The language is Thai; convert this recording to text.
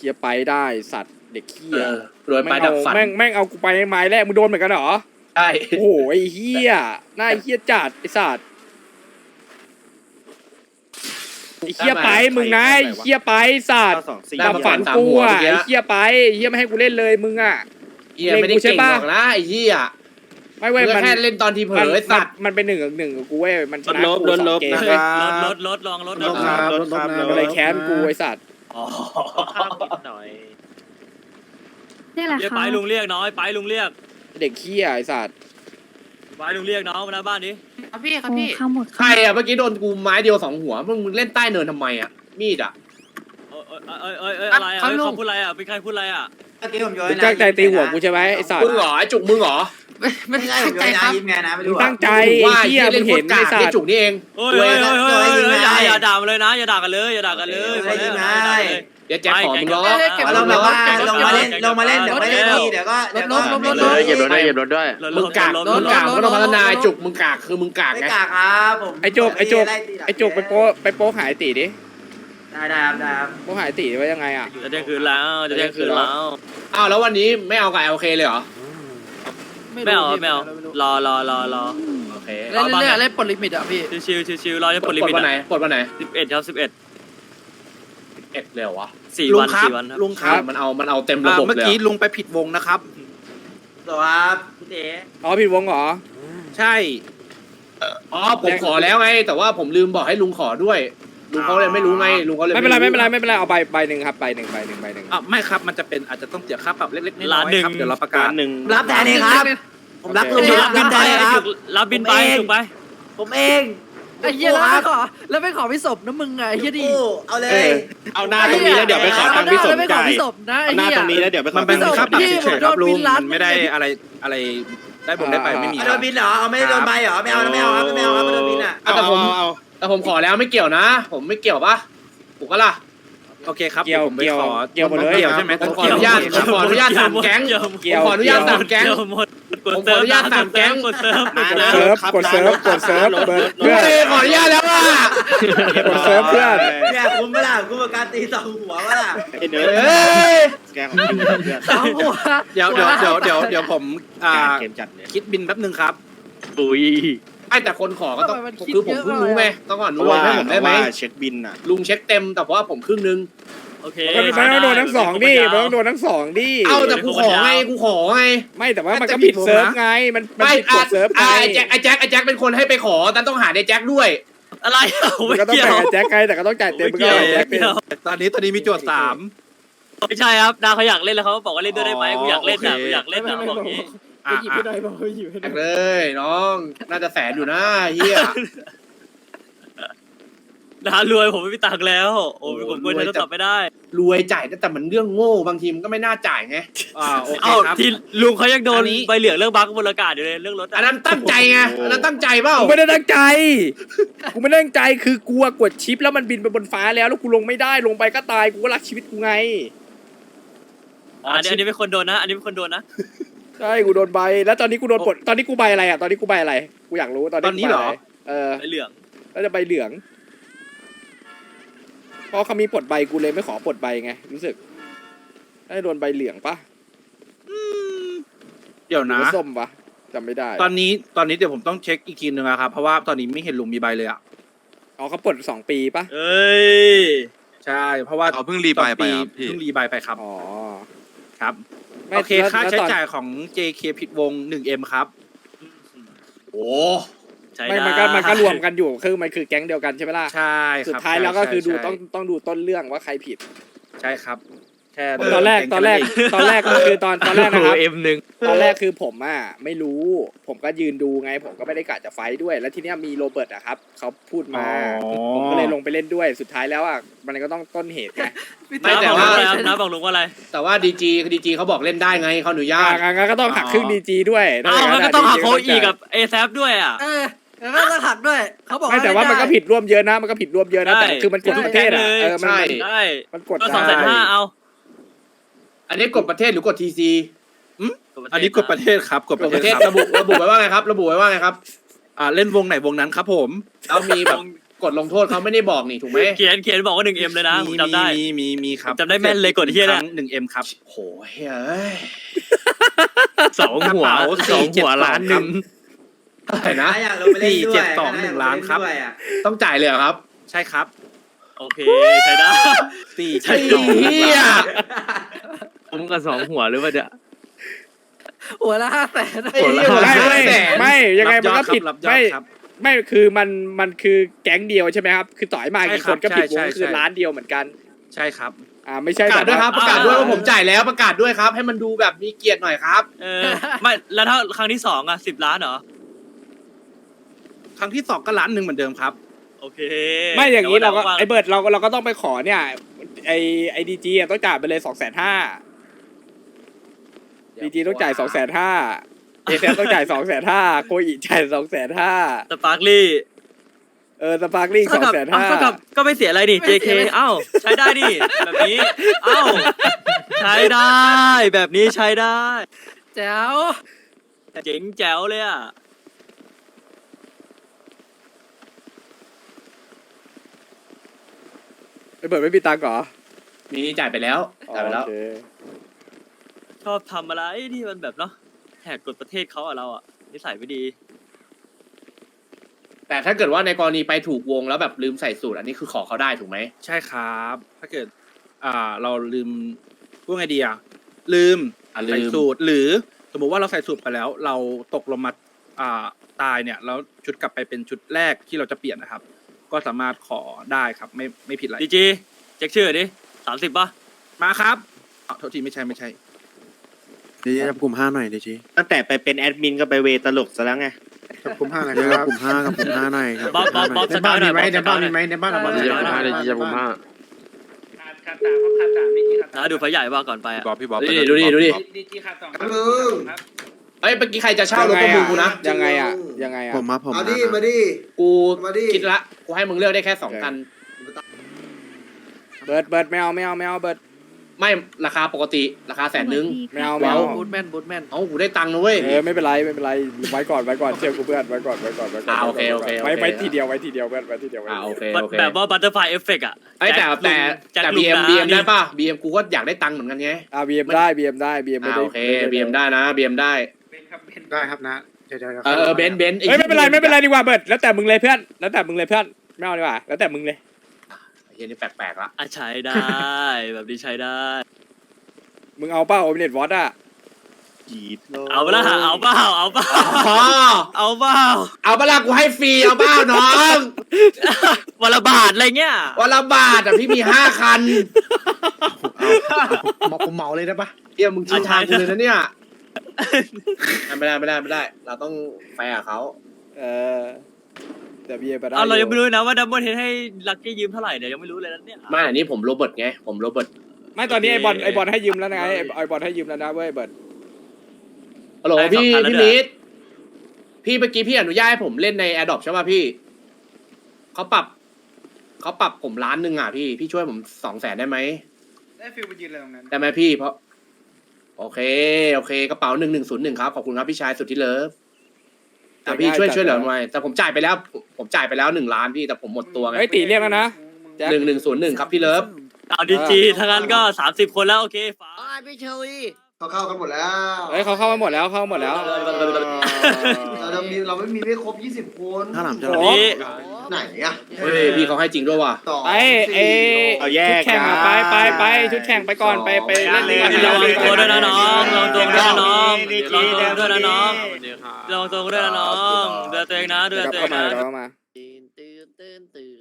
ลียร์ไปได้สัตว์เด็กเหี้ยรวยไปดับฝันแม่งเอากูไปไม้แรกมึงโดนเหมือนกันเหรอใช่โอ้โหไอ้เหี้ยหน้าไอ้เหี้ยจัดไอ้สัตว์ไอ้เหี้ยไปมึงนะไอ้เหี้ยไปสัตว์ดับฝันกูอ่ะไอ้เหี้ยไปไอ้เหี้ยไม่ให้กูเล่นเลยมึงอ่ะเหี้ยไม่ได้เก่งหรอกนะไอ้เหี้ยไม่เว้ยมันมันแค่เล่นตอนทีเผลอไอ้สัตว์มันเป็น1-1กับกูเว้ยมันชนะกูสองเกมลดลองลดมันเลยแค้นกูไอ้สัตว์อ๋อข้ามนิดหน่อยนี่แหละเรียกค่ะไปลุงเรียกน้อยไปลุงเรียกเด็กเหี้ยไอ้สัตว์ไปลุงเรียกน้องมาหน้าบ้านนี้ครับพี่ครับโอ้พี่ข้าวหมดใครอ่ะเมื่อกี้โดนกูไม้เดียว2หัวมึงเล่นใต้เนินทำไมอ่ะมีดอ่ะอะไรอ่ะเขาพูดอะไรอ่ะเป็นใครพูดอะไรอ่ะเมื่อกี้ผมโยนมึงตั้งใจตีหัวกูใช่ไหมไอ้สัตมึว์งเหรอไอ้จุกมึงเหรอไม่ได้ผมโยนนะยิ้มไงนะไม่มึงรู้ตั้งใจว่าไอ้เหี้ยมึเล่นงโคเห็ตนรกาไอ้กสัไอ้ตว์จุกนี่เองอย่าด่ามาเลยนะอย่าด่ากันเลยอย่าด่ากันเลยเดี๋ยวแจ็คขอมึงล้อเราแบบว่าลงมาเล่นเดี๋ยวไม่เล่นทีเดี๋ยวก็เหยียบรถด้วยเหยียบรถด้วยมึงกากก็ต้องพัฒนาไอ้จุกมึงกากคือมึงกากไม่ไงกากครับผมไอ้โจกไปโป๊หายตีดิได้ครับโป๊หายตีไว้ยังไงอ่ะจะเที่ยงคืนแล้วจะเที่ยงคืนแล้วอ้าวแล้ววันนี้ไม่เอากับ LK เลยเหรอไม่เอารอโอเคเล่นปลดลิมิตอ่ะพี่ชิวรอจะปลดลิปลมิดตวันไหนปลดวันไหน 11ครับ11 เอ็ดเลยเหรอวะ 4 วัน4 วันลุงครับมันเอาเต็มระบบเมื่อเลยกี้ลุงไปผิดวงนะครับสวัสดีครับพี่เต๋อ๋อผิดวงเหรอใช่อ๋อผมขอแล้วไง แต่ว่าผมลืมบอกให้ลุงขอด้วยลุงเขาเลยไม่รู้ไงลุงเขาเลยไม่เป็นไรเอาใบหนึ่งครับใบหนึ่งอ่ะไม่ครับมันจะเป็นอาจจะต้องเสียค่าปรับเล็กๆน้ล้าอน ยหนึ่งๆครับเดี๋ยวเราประกาศรับแทนเองครับผมรับลุงรับบินแทนครับรับบินไปถูกไปผมเองไอ้เหี้ยแล้วไม่ขอพี่ศพนะมึงไงไอ้เหี้ยดิเอาเลยเอาหน้าตรงนี้แล้วเดี๋ยวไปขอตังค์พี่สมไม่ขอจ่ายพี่ศพนะไอ้หน้าเหี้ยตรงนี้แล้วเดี๋ยวไปขอมันเป็นตังค์ค่าปรับพี่เฉยๆครับลุงโดนบินล้านมันไม่ได้อะไรได้บนได้ไปไม่มีโดนบินเหรอเอาไม่โดนใบเหรอไม่เอาครับไม่เอาครับไม่โดนบินอ่ะแต่ผมขอแล้วไม่เกี่ยวนะ ผมไม่เกี่ยวปะถูกปะล่ะโอเคครับเกี่ยวผมไปขอเกี่ยวหมดเลยเกี่ยวใช่ไหมผมขออนุญาตตามแก๊งเกี่ยวขออนุญาตตามแก๊งหมดผมขออนุญาตตามแก๊งกดเซิร์ฟกดเซิร์ฟเปิดเฮ้ยขออนุญาตแล้วอ่ะกดเซิร์ฟเพื่อนเนี่ยคุ้มไหมล่ะคุ้มกับการตีสองหัวไหมล่ะไอ้เนื้อเฮ้ยแกของเพื่อนสองหัวเดี๋ยวผมเกมจัดเลยคิดบินแป๊บนึงครับปุยไอ้แต่คนขอก็ต้องคือผมเพิ่งรู้ไงต้องก่อนเพรู้ราะว่าให้ผมได้ไหมเช็คบินอ่ะลุงเช็คเต็มแต่ว่าผมครึ่งนึงโอเคมันต้องโดนทั้งสองดิมันต้องโดนทั้งสองดิเอ้าแต่กูขอไงไม่แต่ว่ามันก็ผิดเซิร์ฟไงมันไม่ผิดกดเซิร์ฟไงไอ้แจ็คเป็นคนให้ไปขอแต่ต้องหาไอ้แจ็คด้วยอะไรมันก็ต้องจ่ายแจ็คไงแต่ก็ต้องจ่ายเต็มมันก็แจ็คเป็นตอนนี้มีโจทย์3 ไม่ใช่ครับนาเขาอยากเล่นแล้วเขาบอกว่าเล่นด้วยได้ไหมกูอยากเล่นนะกูอยากเล่นนะบอกงี้หยิบไม่ได้บอกหยิบไม่ได้เลยน้องน่าจะแสนอยู่นะเฮียนะรวยผมไม่มีตังค์แล้วโอ้ผมกลัวใช้โทรศัพท์ไม่ได้รวยจ่ายแต่มันเรื่องโง่บางทีมันก็ไม่น่าจ่ายไงโอเคเอ้าครับที่ลุงเขายังโดนอันนี้ใบเหลืองเรื่องบั๊กบนอากาศอยู่เลยเรื่องรถอันนั้นตั้งใจไงอันนั้นตั้งใจเปล่ากูไม่ได้ตั้งใจกูไม่ได้ตั้งใจคือกูกดชิปแล้วมันบินไปบนฟ้าแล้วกูลงไม่ได้ลงไปก็ตายกูก็รักชีวิตกูไงอันนี้เป็นคนโดนนะอันนี้เป็นคนโดนนะใช่กูโดนใบแล้วตอนนี้กูโดนปลดตอนนี้กูใบอะไรอ่ะตอนนี้กูใบอะไรกูอยากรู้ตอนนี้เหรอใบเหลืองแล้วจะใบเหลืองเพราะเขามีปลดใบกูเลยไม่ขอปลดใบไงรู้สึกได้โดนใบเหลืองปะเดี๋ยวหรืนะอว่าส้มปะจำไม่ได้ตอนนี้เดี๋ยวผมต้องเช็คอีกทีนึงนะครับเพราะว่าตอนนี้ไม่เห็นลุงมีใบเลยอ่ะอ๋อเขาปลด2 ปีปะเอ้ยใช่เพราะว่าเขาเพิ่งรีใบไปครับพี่เพิ่งรีใบไปครับอ๋อครับไม่โอเคค่าแล้วใช้ตอนจ่ายของ JK ผิดวง 1M ครับโอ้ใช่ไม่มันก็รวมกันอยู่คือมันคือแก๊งเดียวกันใช่ไหมล่ะใช่ครับสุดท้ายแล้วก็คือดูใช่ต้องดูต้นเรื่องว่าใครผิดใช่ครับแค่ตอนแรกก็คือตอนแรกนะครับ M1 ตอนแรกคือผมอ่ะไม่รู้ผมก็ยืนดูไงผมก็ไม่ได้กะจะไฟท์ด้วย แล้วทีเนี้ยมีโรเบิร์ตอะครับเขาพูดมาผมก็เลยลงไปเล่นด้วยสุดท้ายแล้วอ่ะมันก็ต้องต้นเหตุไงไม่แต่ว่านะบอกลุงว่าอะไรแต่ว่าดีจีเขาบอกเล่นได้ไงเขาอนุญาตงั้นก็ต้องหักครึ่งดีจีด้วยอ้าวมันก็ต้องหาโคอีกับเอแซฟด้วยอ่ะแล้วก็หักด้วยเขาบอกไม่แต่ว่ามันก็ผิดร่วมเยอะนะมันก็ผิดร่วมเยอะนะแต่คือมันกดทุกประเทศอ่ะมันใช่มันกดก็ได้ 250,000เอาอันนี้กดประเทศหรือกดทีซีอันนี้กดประเทศครับกดกปดระประเทเทศศครับระบุไว้ว่าไงครับ ระบุไว้ว่าไงครับเล่นวงไหนวงนั้นครับผมแล้วมีแบบกฎลงโทษเขาไม่ได้บอกนี่ถูกไหมเขียนบอกว่า1M เลยนะผมจำได้มีครับจำได้แม่นเลยกดเหี้ยเนี่ย 1M ครับโหเฮ้ยสองหัวล้านหนึ่งอะไรนะอยากลงไปเล่นด้วย 472 1 ล้านครับต้องจ่ายเลยเหรอครับใช่ครับโอเคใช้ได้ไอ้เหี้ยผมกับ2หัวหรือว่าเดี๋ยวหัวละ500,000 ไอ้เหี้ยไม่ยังไงมันก็ผิดรับยอดครับไม่คือมันคือแก๊งเดียวใช่ไหมครับคือต่อยมากี่คนก็ผิดวงคือล้านเดียวเหมือนกันใช่ครับไม่ใช่ประกาศด้วยครับแประกาศด้วยว่าผมจ่ายแล้วประกาศด้วยครับ ให้มันดูแบบมีเกียรติหน่อยครับไม่แล้วถ้าครั้งที่2อ่ะ10 ล้านเหรอครั้งที่2ก็ล้านหนึ่งเหมือนเดิมครับโอเคไม่อย่างนี้เราก็แต่ว่ไอเบิร์ดเราก็ต้องไปขอเนี่ยไอดีจีต้องจ่ายไปเลย250,000ดีจีต้องจ่าย250,000เอฟต้องจ่าย250,000โคอิจ่าย250,000 สปาร์คลี่สปาร์คลิงเท่ากับก็ไม่เสียอะไรนี่ JK เอ้าใช้ได้นี่แบบนี้เอ้าใช้ได้แบบนี้ใช้ได้แจ๋วเจ๋งแจ๋วเลยอ่ะไอเบิร์ดไม่มีตังค์เหรอมีจ่ายไปแล้วจ่ายไปแล้วโอเคชอบทำอะไรที่มันแบบเนาะแหกกฎประเทศเขาอะเราอะนิสัยไม่ดีแต่ถ้าเกิดว่าในกรณีไปถูกวงแล้วแบบลืมใส่สูตรอันนี้คือขอเขาได้ถูกไหมใช่ครับ ถ้าเกิดเราลืมพูดไงดีลืมลืใส่มสูตรหรือสมมติว่าเราใส่สูตรไปแล้ว เราตกลงมาตายเนี่ยแล้วชุดกลับไปเป็นชุดแรกที่เราจะเปลี่ยนนะครับ ก็สามารถขอได้ครับไม่ผิดอะไรดีจีเช็คชื่อดิ30ป่ะมาครับโทษทีไม่ใช่เดี๋ยวจับกลุ่ม5หน่อยเดี๋ยวจีตั้งแต่ไปเป็นแอดมินก็ไปเวตลกซะแล้วไงจับกลุ่ม5หน่อยจับกลุ่ม5กับกลุ่ม5หน่อยบ๊อบสกายหน่อยบ๊อบสกายหน่อยในบ้านเราเดี๋ยว5เดี๋ยวจับกลุ่ม5 นะดูไฟใหญ่ว่าก่อนไปอะพี่บ๊อบดูดิมึงเอ้ยเมื่อกี้ใครจะเช่ารถประมูลกูนะยังไงอ่ะผมเอาดิมาดิกูมาดิคิดละกูให้มึงเลือกได้แค่2 คันเบิร์ดไม่เอาเบิร์ดไม่ราคาปกติราคา100,000 ไม่เอาบูทแมนบูทแมนเอ้ากูได้ตังค์นะเว้ยไม่เป็นไรไว้ก่อนเชื่อกูเพื่อนไว้ก่อนโอเคไว้ทีเดียวเพื่อนไว้ทีเดียวโอเคแบบว่าบัตเตอร์ไฟเอฟเฟกต์อะไอ้แต่แจ็คแต่ลุบีงเอ็มนะบีเอ็มได้ป่ะบีเอ็มกูก็อยากได้ตังค์เหมือนกันไงบีเอ็มได้บีเอ็มไม่ได้โอเคบีเอ็มได้นะบีเอ็มได้ได้ครับนะเดี๋ยวเบนซ์ไม่เป็นไรดีกว่าเบิร์ดแล้วแต่มึงเลยเพื่อนไม่เอาดีกว่าแล้วแต่มึงเลยเฮียนี่แปลกๆละใช้ได้ แบบนี้ใช้ได้มึงเอาเป้าโอเปเนตวอตอ่ะจีดเอาเปล่าเอาเปล่าอ๋อเอาเปล่าเอาเปล่ากูให้ฟรีเอาเปล่าน้องวันละบาทอะไรเงี้ยวันละบาทพี่มี5 คันผมเหมาเลยได้ปะเฮียมึงชิงทางกูเลยนะเนี่ยไม่ได้เราต้องแฟร์กับเขาแต่บีเอ็มไปได้เรายังไม่รู้นะว่าดับเบิลเฮดให้ลักกี้ยืมเท่าไหร่เนี่ยยังไม่รู้เลยนะเนี่ยไม่อันนี้ผมโรเบิร์ตไงผมโรเบิร์ตไม่ตอนนี้ไอบอลให้ยืมแล้วนะไอบอลให้ยืมแล้วนะเว้ยเบิร์ดฮัลโหลพี่นิดพี่เมื่อกี้พี่อนุญาตให้ผมเล่นใน Adopt ใช่ป่ะพี่เขาปรับผม1 ล้านอ่ะพี่ช่วยผม200,000ได้ไหมได้ฟิลไปยืนอะไรตรงนั้นได้ไหมพี่เพราะโอเคกระเป๋า1101ครับขอบคุณครับพี่ชายสุดที่เลิฟแต่พี่ช่วยเหลือหน่อยแต่ผมจ่ายไปแล้ว1 ล้านพี่แต่ผมหมดตัวไงเฮ้ยตีเรียกแล้วนะ 1101ครับพี่เลิฟเอาดีจีทั้งนั้นก็30 คนแล้วโอเคฟ้าพี่เชอรี่เขาเข้ากันหมดแล้วเฮ้ยเขาเข้ามาหมดแล้วเราไม่มีไม่ครบ20 คนถ้าหลังจะวันนี้ไหนอ่ะเฮ้ยพี่เขาให้จริงด้วยว่ะต่อเอาแยชุดกแข่งอะไปชุดแข่งไปก่อนไปเล่นระวังตัวด้วยนะน้องระวังตัวด้วยนะน้องระวังตัวด้วยนะน้องระวังตัวด้วยนะน้องดูแลตัวเองนะดูแลตัวเองนะเข้ามาตื่น